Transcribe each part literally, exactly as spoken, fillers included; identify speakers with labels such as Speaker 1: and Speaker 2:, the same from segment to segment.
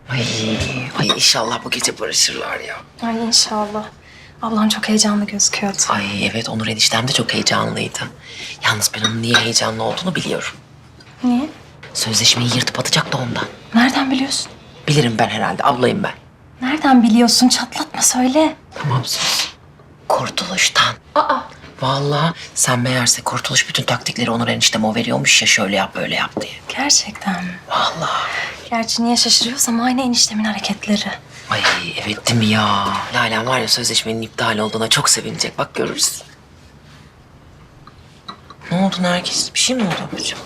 Speaker 1: Ay, ay inşallah bu gece barışırlar ya.
Speaker 2: Ay inşallah. Ablam çok heyecanlı gözüküyordu.
Speaker 1: Ay evet, Onur eniştem de çok heyecanlıydı. Yalnız ben onun niye heyecanlı olduğunu biliyorum.
Speaker 2: Niye?
Speaker 1: Sözleşmeyi yırtıp atacak da ondan.
Speaker 2: Nereden biliyorsun?
Speaker 1: Bilirim ben herhalde, ablayım ben.
Speaker 2: Nereden biliyorsun? Çatlatma söyle.
Speaker 1: Tamam sus. Kurtuluştan.
Speaker 2: Aa.
Speaker 1: Vallahi sen meğerse Kurtuluş bütün taktikleri Onur enişteme o veriyormuş ya, şöyle yap böyle yap diye.
Speaker 2: Gerçekten mi?
Speaker 1: Vallahi.
Speaker 2: Gerçi niye şaşırıyorsam aynı eniştemin hareketleri.
Speaker 1: Ay evet değil mi ya? Lalen var ya, sözleşmenin iptal olduğuna çok sevinecek. Bak görürüz. Ne oldu Nergis? Bir şey mi oldu ablacığım?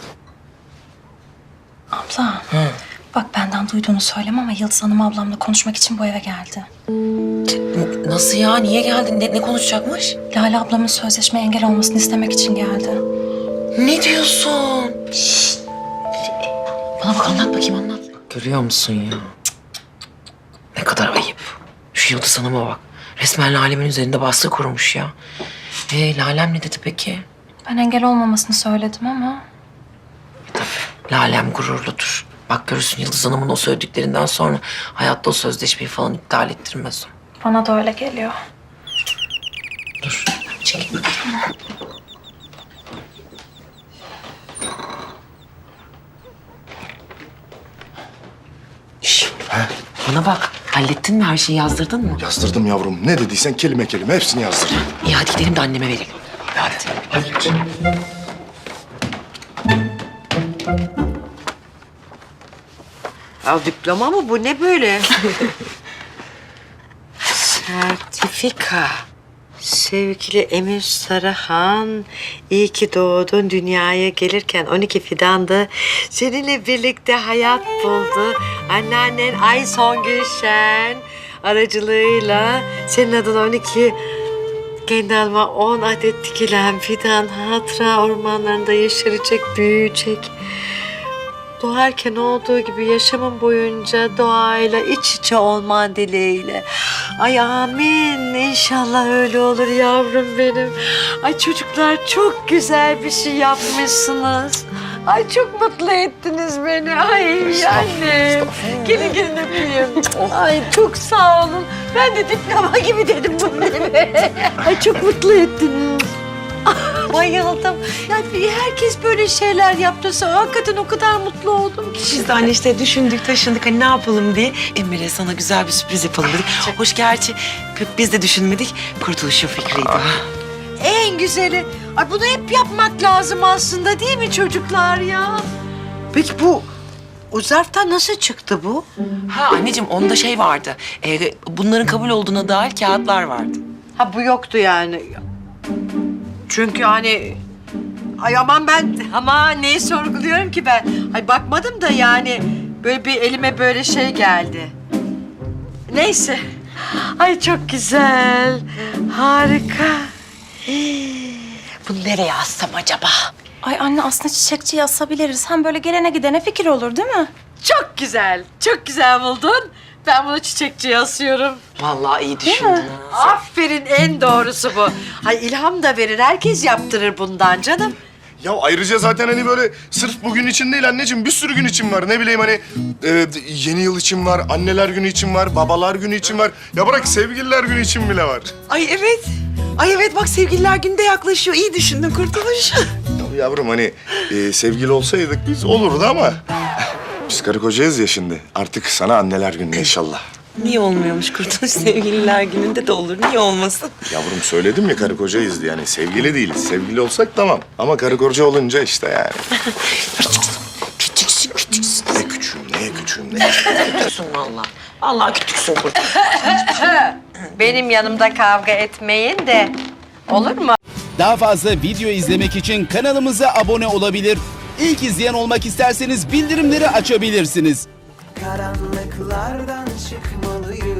Speaker 2: Abla.
Speaker 1: Hı.
Speaker 2: Bak benden duyduğunu söyleme ama Yıldız Hanım ablamla konuşmak için bu eve geldi.
Speaker 1: N- Nasıl ya? Niye geldin? Ne, ne konuşacakmış?
Speaker 2: Lale ablamın sözleşmeye engel olmasını istemek için geldi.
Speaker 1: Ne diyorsun? Şşt. Bana bak, anlat bakayım, anlat. Görüyor musun ya? Cık. Ne kadar ayıp. Şu Yıldız Hanım'a bak. Resmen Lale'min üzerinde baskı kurmuş ya. Ee, Lalem ne dedi peki?
Speaker 2: Ben engel olmamasını söyledim ama...
Speaker 1: E, tabii. Lalem gururludur. Bak görürsün, Yıldız Hanım'ın o söylediklerinden sonra hayatta o sözleşmeyi falan iptal ettirmez o.
Speaker 2: Bana da öyle geliyor.
Speaker 1: Dur, çekil bakayım. Şş, bana bak, hallettin mi her şeyi, yazdırdın mı?
Speaker 3: Yazdırdım yavrum. Ne dediysen kelime kelime hepsini yazdırdım.
Speaker 1: İyi hadi gidelim de anneme verelim. Hadi.
Speaker 3: Hadi.
Speaker 4: Ya diploma mı bu? Ne böyle? Sertifika. Sevgili Emir Sarıhan, iyi ki doğdun. Dünyaya gelirken on iki fidandı. Seninle birlikte hayat buldu. Anneannen Ay Songül Şen aracılığıyla senin adına on iki, kendi adıma on adet dikilen fidan hatıra ormanlarında yeşerecek, büyüyecek. Doğarken olduğu gibi yaşamın boyunca doğayla iç içe olman dileğiyle. Ay amin. İnşallah öyle olur yavrum benim. Ay çocuklar çok güzel bir şey yapmışsınız. Ay çok mutlu ettiniz beni. Ay anne. Gelin gelin öpeyim. Ay çok sağ olun. Ben de diploma gibi dedim bunu eve. Ay çok mutlu ettiniz. Bayıldım. Yani herkes böyle şeyler yaptıysa hakikaten o kadar mutlu oldum ki.
Speaker 5: Biz de anne işte düşündük, taşındık hani ne yapalım diye. Emir'e sana güzel bir sürpriz yapalım dedik. Hoş gerçi biz de düşünmedik. Kurtuluş'un fikriydi.
Speaker 4: En güzeli. Ay bunu hep yapmak lazım aslında değil mi çocuklar ya? Peki bu o zarftan nasıl çıktı bu?
Speaker 5: Ha anneciğim, onda şey vardı. Ee, bunların kabul olduğuna dair kağıtlar vardı.
Speaker 4: Ha bu yoktu yani. Çünkü hani ay aman ben ama neyi sorguluyorum ki ben? Ay bakmadım da yani böyle bir elime böyle şey geldi. Neyse. Ay çok güzel. Harika. Bunu nereye assam acaba?
Speaker 2: Ay anne aslında çiçekçiye asabiliriz. Hem böyle gelene gidene fikir olur değil mi?
Speaker 4: Çok güzel. Çok güzel buldun. Ben bunu çiçekçiye asıyorum.
Speaker 5: Vallahi iyi düşündün.
Speaker 4: Aferin, en doğrusu bu. Ay ilham da verir. Herkes yaptırır bundan canım.
Speaker 3: Ya ayrıca zaten hani böyle sırf bugün için değil anneciğim, bir sürü gün için var. Ne bileyim hani e, yeni yıl için var, anneler günü için var, babalar günü için var. Ya bırak, sevgililer günü için bile var.
Speaker 5: Ay evet. Ay evet, bak sevgililer günü de yaklaşıyor. İyi düşündün Kurtuluş.
Speaker 3: Ya yavrum hani e, sevgili olsaydık biz olurdu ama biz karı kocayız ya şimdi. Artık sana anneler günü inşallah.
Speaker 5: Niye olmuyormuş Kurtuluş? Sevgililer gününde de olur. Niye olmasın?
Speaker 3: Yavrum söyledim ya, karı kocayız diye. Yani sevgili değiliz. Sevgili olsak tamam. Ama karı koca olunca işte yani.
Speaker 5: Küçüksün, küçüksün.
Speaker 3: Ne küçüğüm, neye küçüğüm, ne
Speaker 5: Küçüksün vallahi. Vallahi küçüksün Kurtuluş.
Speaker 4: Benim yanımda kavga etmeyin de olur mu?
Speaker 6: Daha fazla video izlemek için kanalımıza abone olabilir. İlk izleyen olmak isterseniz bildirimleri açabilirsiniz.
Speaker 7: Karanlıklardan çıkmalıyım.